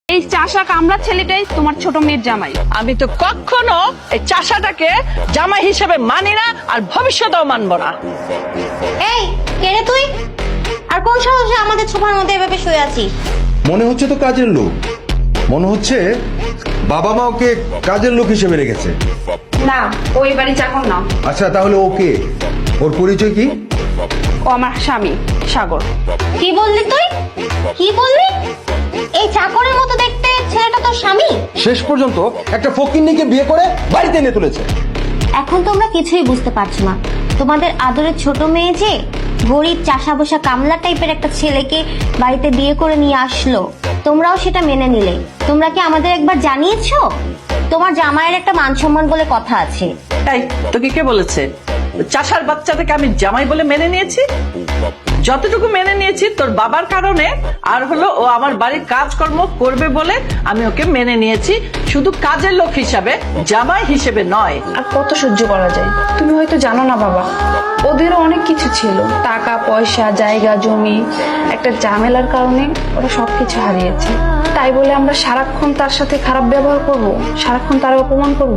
এই চাষা কামলা ছেলেটাই তোমার ছোট মেয়ের জামাই। আমি তো কখনো এই চাষাটাকে জামাই হিসেবে মানি না, আর ভবিষ্যতেও মানবো না। এই কে রে তুই? আর কোন সাহসে আমাদের ছোপার মধ্যে এভাবে শুয়ে আছিস? মনে হচ্ছে তো কাজের লোক, মনে হচ্ছে বাবা মা ওকে কাজের লোক হিসেবে রেখেছে। না, ও এই বাড়ি চাকর না। আচ্ছা তাহলে ওকে, ওর পরিচয় কি? ও আমার স্বামী সাগর। কি বললি তুই? কি বললি? এই চাকরের মতো দেখতে ছেলেটা তোর স্বামী? শেষ পর্যন্ত একটা ফকিন্নিকে বিয়ে করে বাড়িতে এনে তুলেছে। এখন তোমরা কিছুই বুঝতে পারছো না। তোমাদের আদরের ছোট মেয়ে যে গরিব চাষা বসা কামলা টাইপের একটা ছেলেকে বাড়িতে বিয়ে করে নিয়ে আসলো, তোমরাও সেটা মেনে নিলে। তোমরা কি আমাদের একবার জানিয়েছো? তোমার জামাইয়ের একটা মান সম্মান বলে কথা আছে। এই তোকে কে বলেছে চাষার বাচ্চাটাকে আমি জামাই বলে মেনে নিয়েছি? যতটুকু মেনে নিয়েছি তোর বাবার কারণে, আর হলো ও আমার বাড়ির কাজকর্ম করবে বলে আমি ওকে মেনে নিয়েছি, শুধু কাজের লোক হিসাবে, জামাই হিসেবে নয়। আর কত সহ্য করা যায়? তুমি হয়তো জানো না বাবা, ওদেরও অনেক কিছু ছিল, টাকা পয়সা, জায়গা জমি। একটা ঝামেলার কারণে ওরা সবকিছু হারিয়েছে। তাই বলে আমরা সারাক্ষণ তার সাথে খারাপ ব্যবহার করব, সারাক্ষণ তার অপমান করব?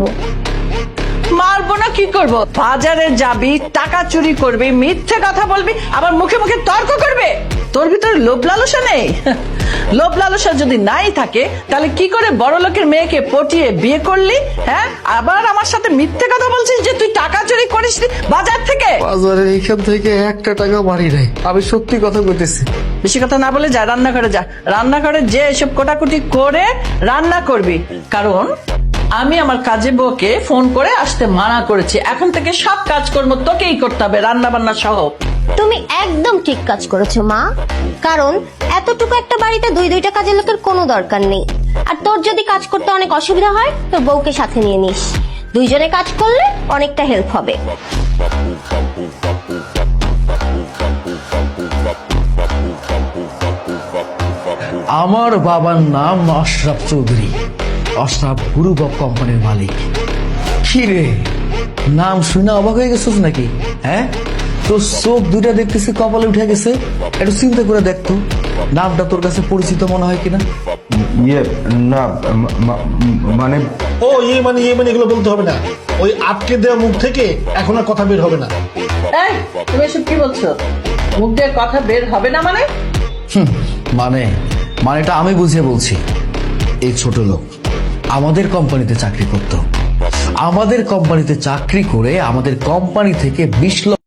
মারবো না কি করব? বাজারে যাবি, টাকা চুরি করবি, মিথ্যে কথা বলবি, আবার মুখে মুখে তর্ক করবে। তোর ভিতরে লোভ লালসা নেই? লোভ লালসা যদি নাই থাকে তাহলে কি করে বড় লোকের মেয়েকে পটিয়ে বিয়ে করলি? হ্যাঁ, আবার আমার সাথে মিথ্যে কথা বলছিস যে তুই টাকা চুরি করিস বাজার থেকে। বাজারের এইখান থেকে একটা টাকা বাড়ি নাই, আমি সত্যি কথা কইতেছি। বেশি কথা না বলে যা রান্নাঘরে যা, রান্নাঘরে যে এসব কোটাকুটি করে রান্না করবি। কারণ আমি আমার কাজে বউকে ফোন করে আসতে মানা করেছি। এখন থেকে সব কাজকর্ম তোকেই করতে হবে, রান্না বান্না সহ। তুমি একদম ঠিক কাজ করেছো মা, কারণ এতটুকু একটা বাড়িতে দুইটা কাজের লোকের কোনো দরকার নেই। আর তোর যদি কাজ করতে অনেক অসুবিধা হয় তোর বউকে সাথে নিয়ে নিস, দুইজনে কাজ করলে অনেকটা হেল্প হবে। আমার বাবার নাম আশরাফ চৌধুরী, আশরাফ গ্রুপ অফ কোম্পানির মালিক। কি রে, নাম শুনে অবাক হয়ে গেছিস নাকি? হ্যাঁ, তোর চোখ দুইটা দেখতেছি কপালে উঠে গেছে। একটু চিন্তা করে দেখতো নামটা তোর কাছে পরিচিত মনে হয় কিনা। ইয়ে না, মানে ও ইয়ে মানে এগুলো বলতে হবে না। ওই আটকে দেওয়া মুখ থেকে এখন আর কথা বের হবে না। এই তুমি এসব কি বলছো? মুখ দিয়ে কথা বের হবে না মানে? মানেটা আমি বুঝিয়ে বলছি। এই ছোট লোক আমাদের কোম্পানিতে চাকরি করত, আমাদের কোম্পানিতে চাকরি করে আমাদের কোম্পানি থেকে 20 লক্ষ